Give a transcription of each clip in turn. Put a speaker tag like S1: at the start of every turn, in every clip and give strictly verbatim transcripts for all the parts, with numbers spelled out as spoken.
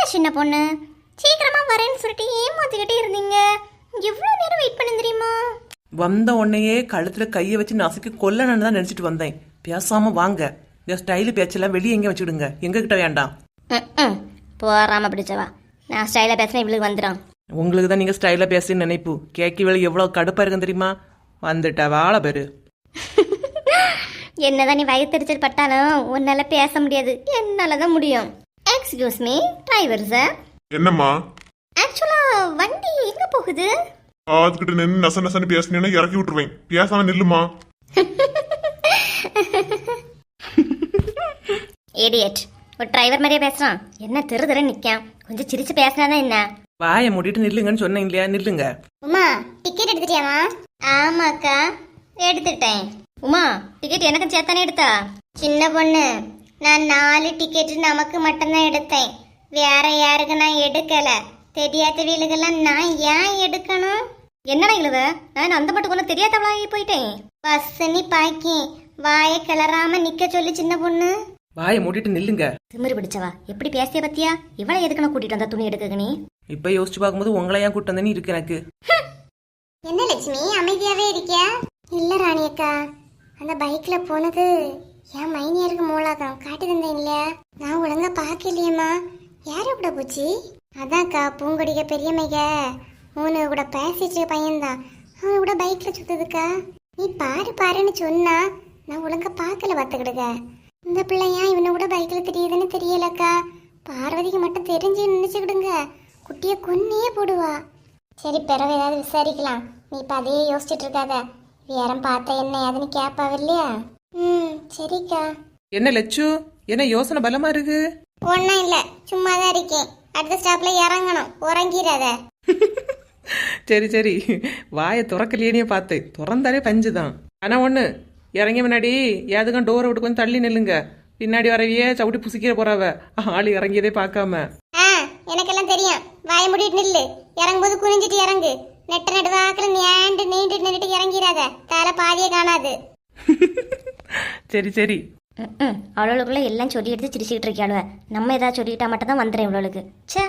S1: சின்ன பொண்ணு, சீக்கிரமா வரேன்னு சொல்லிட்டு ஏமாத்திக்கிட்டே இருந்தீங்க. எவ்வளவு நேரம் வெயிட் பண்ண தெரியுமா?
S2: வந்த உடனேயே கழுத்துல கையை வச்சு நசுக்கி கொல்லணும்னு தான் நினைச்சிட்டு வந்தேன். பேசாம வாங்க, இந்த ஸ்டைலு பேச்செல்லாம் வெளியே எங்க வச்சுடுங்க, எங்க கிட்ட வேண்டாம்.
S1: போறாம பிடிச்சவா, நான் ஸ்டைலா பேசுறேன், இவளுக்கு வந்துடும்.
S2: உங்களுக்கு தான் நீங்க ஸ்டைலா பேசுன்னு நினைப்பு. கேக்கி வேலை எவ்வளவு கடுப்பா இருக்குன்னு தெரியுமா? வந்துட்டா வாழ பேரு.
S1: என்னதான் நீ வயிற்றுச்சல் பட்டாலும் உன்னால பேச முடியாது, என்னாலதான் முடியும். Excuse me driver sir.
S3: என்னம்மா?
S1: ஆக்சுவலா வண்டி எங்க போகுது?
S3: அதுக்கிட்ட நின்று நச நசன்னு பேசினேன்னா இறக்கி விட்டுருவேன். பேசாம நில்லுமா.
S1: ஏடியட், ஒரு டிரைவர் மாதிரியே பேசுறான். என்ன திரு திரு நிக்கான், கொஞ்சம் சிரிச்சு பேசினாதான் என்ன.
S2: வாயை மூடிட்டு நில்லுங்கன்னு சொன்னேன் இல்லையா? நில்லுங்க.
S1: உமா, டிக்கெட் எடுத்துட்டியாமா? ஆமாக்கா, எடுத்துட்டேன். உமா, டிக்கெட் எனக்கு சேர்த்தானே எடுத்தா? சின்ன பொண்ணு, நான் நாலு டிக்கெட் நமக்கு மட்டும்தான் எடுத்தேன், வேற யாருக்கு நான் எடுக்கல. தெரியாத வீலுக்கெல்லாம் நான் ஏன் எடுக்கணும்? என்னடா இழுவ, நான் அந்த மட்டும் ஒன்றும் தெரியாதவளாகி போயிட்டேன். பஸ்ஸனி பாக்கி வாயை கிளறாம நிக்க சொல்லி சின்ன பொண்ணு.
S2: வாயை மூடிட்டு நில்லுங்க.
S1: திமிரு பிடிச்சவா, எப்படி பேசிய பத்தியா? இவளை எதுக்குன்னு கூட்டிட்டு வந்தா துணி எடுக்க நீ?
S2: இப்ப யோசிச்சு பார்க்கும்போது உங்களை ஏன் கூட்டு வந்தேன்னு இருக்கு எனக்கு.
S1: என்ன லட்சுமி அமைதியாவே இருக்கியா? இல்ல ராணி அக்கா, அந்த பைக்ல போனது என் மைனியருக்கு மூலாதான் காட்டி தந்தேன் இல்லையா? நான் ஒழுங்கா பாக்கலையம்மா. யாரு கூட போச்சு? அதான்க்கா, பூங்கொடிக்க பெரியமைக மூணு கூட பேசிட்டு பையன்தான், அவன் கூட பைக்ல சுத்துதுக்கா. நீ பாரு பாருன்னு சொன்னா நான் ஒழுங்கா பாக்கல பாத்துக்கிடுங்க. இந்த பிள்ளையா இவனை கூட பைக்ல தெரியுதுன்னு தெரியலக்கா. பார்வதிக்கு மட்டும் தெரிஞ்சு நினைச்சுக்கிடுங்க, குட்டிய கொன்னே போடுவா. சரி, பிறகு ஏதாவது விசாரிக்கலாம். நீ இப்ப அதையே யோசிச்சுட்டு இருக்காத. வேறம் பார்த்தா என்ன ஏதுன்னு கேப்பாவ இல்லையா? ம், சரிக்கா.
S2: என்ன லட்சு, என்ன யோசனை பலமா இருக்கு?
S1: ஒன்னும் இல்ல, சும்மாதான் இருக்கேன். அடுத்த ஸ்டாப்ல இறங்கணும், உறங்கிறாத.
S2: சரி சரி, வாயை திறக்கலையே பார்த்து, திறந்தாலே பஞ்சுதான். ஆனா ஒண்ணு, இறங்கி முன்னாடி ஏதுக்கும் டோரை விட்டு கொஞ்சம் தள்ளி நில்லுங்க. பின்னாடி வரவையே சவுட்டி புசிக்கிற போறாவ, ஆளு இறங்கியதே பார்க்காம.
S1: ஆ, எனக்கெல்லாம் தெரியும். வாய மூடிட்டு நில்லு. இறங்கும்போது குனிஞ்சிட்டு இறங்கு. நெட்ட நெட்டு வாக்கில் நீண்டு நீண்டு நின்றுட்டு இறங்கிறாத, தலை பாதியே காணாது.
S2: சரி சரி.
S1: அவளுக்குள்ள எல்லாம் சொல்லி எடுத்து சிரிச்சுக்கிட்டு இருக்காளுவ. நம்ம ஏதாவது சொல்லிட்டா மட்டும் தான் வந்துடுறேன் இவளுக்கு. சே,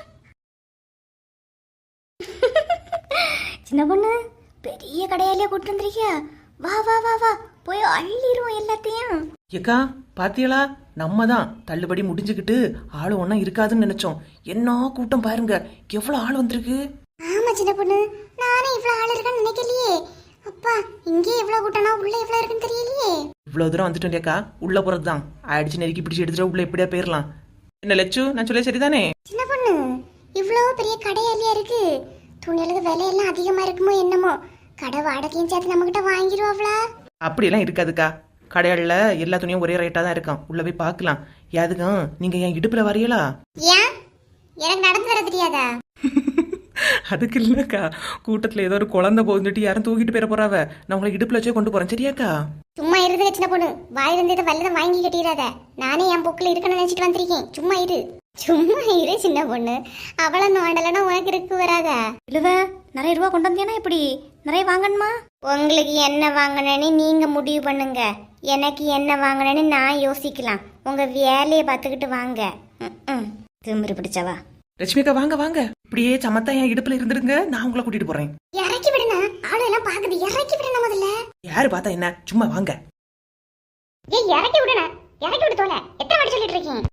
S1: சின்ன பொண்ணு, பெரிய கடையாலே கூட்டு வந்திருக்கியா? வா வா வா வா, போய் அள்ளிடுவோம் எல்லாத்தையும்.
S2: ஏக்கா பாத்தியலா, நம்ம தான் தள்ளுபடி முடிஞ்சுக்கிட்டு ஆளு ஒன்னா இருக்காதுன்னு நினைச்சோம். என்ன கூட்டம் பாருங்க, எவ்வளவு ஆள் வந்திருக்கு.
S1: ஆமா சின்ன பொண்ணு, நானே இவ்வளவு ஆள் இருக்குன்னு நினைக்கலையே. அப்பா, இங்கே இவ்வளவு கூட்டம்னா உள்ள எவ்வளவு இருக்குன்னு தெரியலையே.
S2: இவ்வளவு தூரம் வந்துட்டோம் இல்லையாக்கா, உள்ள போறதுதான். அடிச்சு நெருக்கி பிடிச்சு எடுத்துட்டு உள்ள எப்படியா போயிடலாம். என்ன லட்சு, நான் சொல்ல சரிதானே?
S1: சின்ன பொண்ணு, இவ்வளவு பெரிய கடையாலியா இருக்கு. துணிகளுக்கு விலையெல்லாம் அதிகமா இருக்குமோ என்னமோ. கடை வாடகையும் சேர்த்து நம்ம கிட்ட வாங்கிடுவாங்களா?
S2: அப்படியெல்லாம் இருக்காதுக்கா, கடையாளில் எல்லா துணியும் ஒரே ரேட்டா தான் இருக்கும். உள்ள போய் பார்க்கலாம். யாதுக்கும் நீங்க என் இடுப்புல வரையலா?
S1: ஏன், எனக்கு நடந்து வர தெரியாதா?
S2: அதுக்கு இல்லக்கா, கூட்டத்துல ஏதோ ஒரு குழந்தை போந்துட்டு யாரும் தூக்கிட்டு போயிட போறாவ. நான் உங்களை இடுப்புல வச்சே கொண்டு போறேன், சரியாக்கா?
S1: சும்மா இருந்து சின்ன பொண்ணு, வாய் வந்து இதை வல்லதை வாங்கி கட்டிடாத. நானே என் பொக்குல இருக்கணும்னு நினைச்சிட்டு வந்திருக்கேன். சும்மா இரு, சும்மா இரு சின்ன பொண்ணு. அவளை நோண்டலன்னா உனக்கு இருக்கு வராதா? இல்லவ, நிறைய ரூபா கொண்டு வந்தேன்னா எப்படி? நிறைய வாங்கணுமா? உங்களுக்கு என்ன வாங்கணும்னு நீங்க முடிவு பண்ணுங்க. எனக்கு என்ன வாங்கணும்னு நான் யோசிக்கலாம். உங்க வேலையை பார்த்துக்கிட்டு வாங்க. திமிரு பிடிச்சவா.
S2: லட்சுமிக்கா வாங்க வாங்க, இப்படியே சமத்தா என் இடுப்புல இருந்துருங்க, நான் உங்களை கூட்டிட்டு போறேன்.
S1: இறக்கி விடுனா, ஆளு எல்லாம் பாக்குது. இறக்கி விடுனா முதல்ல.
S2: யாரு பார்த்தா என்ன, சும்மா வாங்க.
S1: ஏய், இறக்கி விடுனா, இறக்கி விடு தோல. எத்தனை வாட்டி சொல்லிட்டு இருக்கீங்க?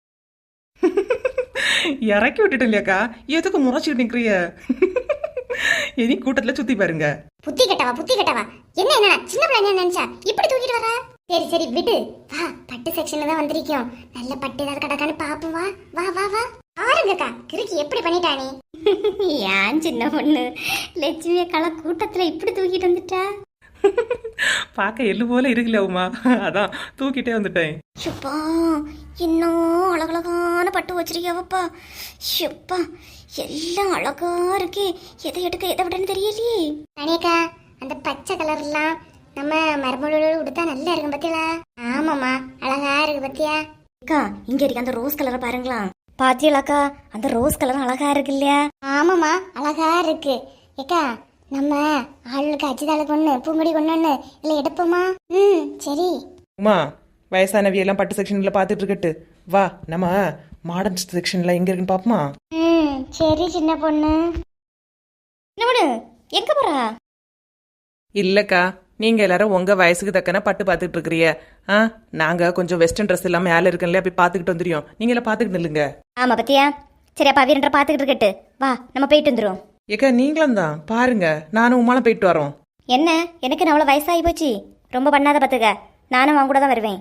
S2: இறக்கி விட்டுட்டு இல்லையாக்கா, எதுக்கு முறைச்சிட்டு நிக்கிறிய? இனி கூட்டத்துல சுத்தி பாருங்க.
S1: புத்தி கட்டவா, புத்தி கட்டவா. என்ன என்ன சின்ன பிள்ளை நினைச்சா இப்படி தூக்கிட்டு வர? சரி சரி விடு. வா, பட்டு செக்ஷன்ல தான் வந்திருக்கோம். நல்ல பட்டு ஏதாவது கடக்கான்னு பாப்போம். வா வா வா வா. ஆருங்கக்கா, கிறுக்கி எப்படி பண்ணிட்டானே? ஏன் சின்ன பொண்ணு, லட்சுமி அக்கால கூட்டத்துல இப்படி தூக்கிட்டு வந்துட்டா?
S2: பார்க்க எள்ளு போல இருக்குல்ல உமா, அதான் தூக்கிட்டே வந்துட்டேன்.
S1: ஷப்பா, இன்னும் அழகழகான பட்டு வச்சிருக்கியாவப்பா. ஷப்பா, எல்லாம் அழகா இருக்கே. எதை எடுக்க எதை விடன்னு தெரியலையே. அனியக்கா, அந்த பச்சை கலர்லாம் நம்ம மரமூலோட உடுத்தா நல்லா இருக்கும் பத்தியா? ஆமாமா, அழகா இருக்கு பத்தியா? அக்கா, இங்க இருக்க அந்த ரோஸ் கலரை பாருங்களா. பாத்தியலாக்கா, அந்த ரோஸ் கலர் அழகா இருக்கு இல்லையா? ஆமாமா, அழகா இருக்கு. ஏக்கா, நம்ம ஆளுக்கு அச்சுதாளுக்கு ஒண்ணு, பூங்கொடி ஒண்ணு இல்ல எடுப்போமா? ம், சரி.
S2: உமா, வயசானவியெல்லாம் பட்டு செக்ஷன்ல பாத்துட்டு இருக்கட்டு. வா, நம்ம மாடர்ன் செக்ஷன்ல எங்க இருக்குன்னு பாப்போமா?
S1: ம் சரி சின்ன பொண்ணு. என்ன பொண்ணு எங்க போறா?
S2: இல்லக்கா, நீங்க எல்லாரும் உங்க வயசுக்கு தக்கன பட்டு பார்த்துட்டு இருக்கிறீங்க. ஆ நாங்க கொஞ்சம் வெஸ்டர்ன் ட்ரெஸ் எல்லாம் மேல இருக்குல்ல, போய் பார்த்துக்கிட்டு வந்துடும். நீங்க எல்லாம் பார்த்துக்கிட்டு நில்லுங்க.
S1: ஆமா பத்தியா? சரி அப்பா வீரன்ற பாத்துக்கிட்டு இருக்கட்டு, வா நம்ம போயிட்டு வந்துரும்.
S2: ஏக்கா நீங்களும் தான் பாருங்க, நானும் உமாலாம் போயிட்டு வரோம்.
S1: என்ன எனக்கு அவ்வளோ வயசாகி போச்சு, ரொம்ப பண்ணாத பார்த்துக்க, நானும் அவங்க கூட தான் வருவேன்.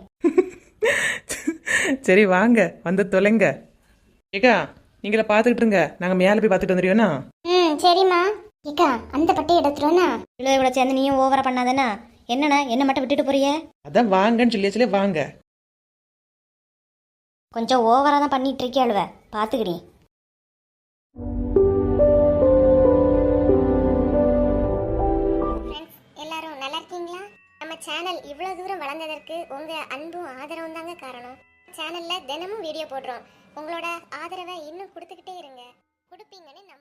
S2: சரி வாங்க வந்து தொலைங்க. ஏக்கா நீங்கள பார்த்துக்கிட்டு இருங்க, நாங்க மேல போய் பார்த்துட்டு வந்துடுவோண்ணா.
S1: ம் சரிம்மா. ஏக்கா அந்த பட்டை எடுத்துருவோண்ணா. இவ்வளோ இவ்வளோ சேர்ந்து நீயும் ஓவரா பண்ணாதானே. என்னண்ணா என்ன மட்டும் விட்டுட்டு போறிய?
S2: அதான் வாங்கன்னு சொல்லி சொல்லி வாங்க.
S1: கொஞ்சம் ஓவரா தான் பண்ணிட்டு இருக்கே அழுவ, பார்த்துக்கிடி. எல்லாரும் நல்லா இருக்கீங்களா? நம்ம சேனல் இவ்வளோ தூரம் வளர்ந்ததற்கு உங்க அன்பும் ஆதரவும் தாங்க காரணம். சேனல்ல தினமும் வீடியோ போடுறோம். உங்களோட ஆதரவை இன்னும் கொடுத்துக்கிட்டே இருங்க, கொடுப்பீங்கன்னு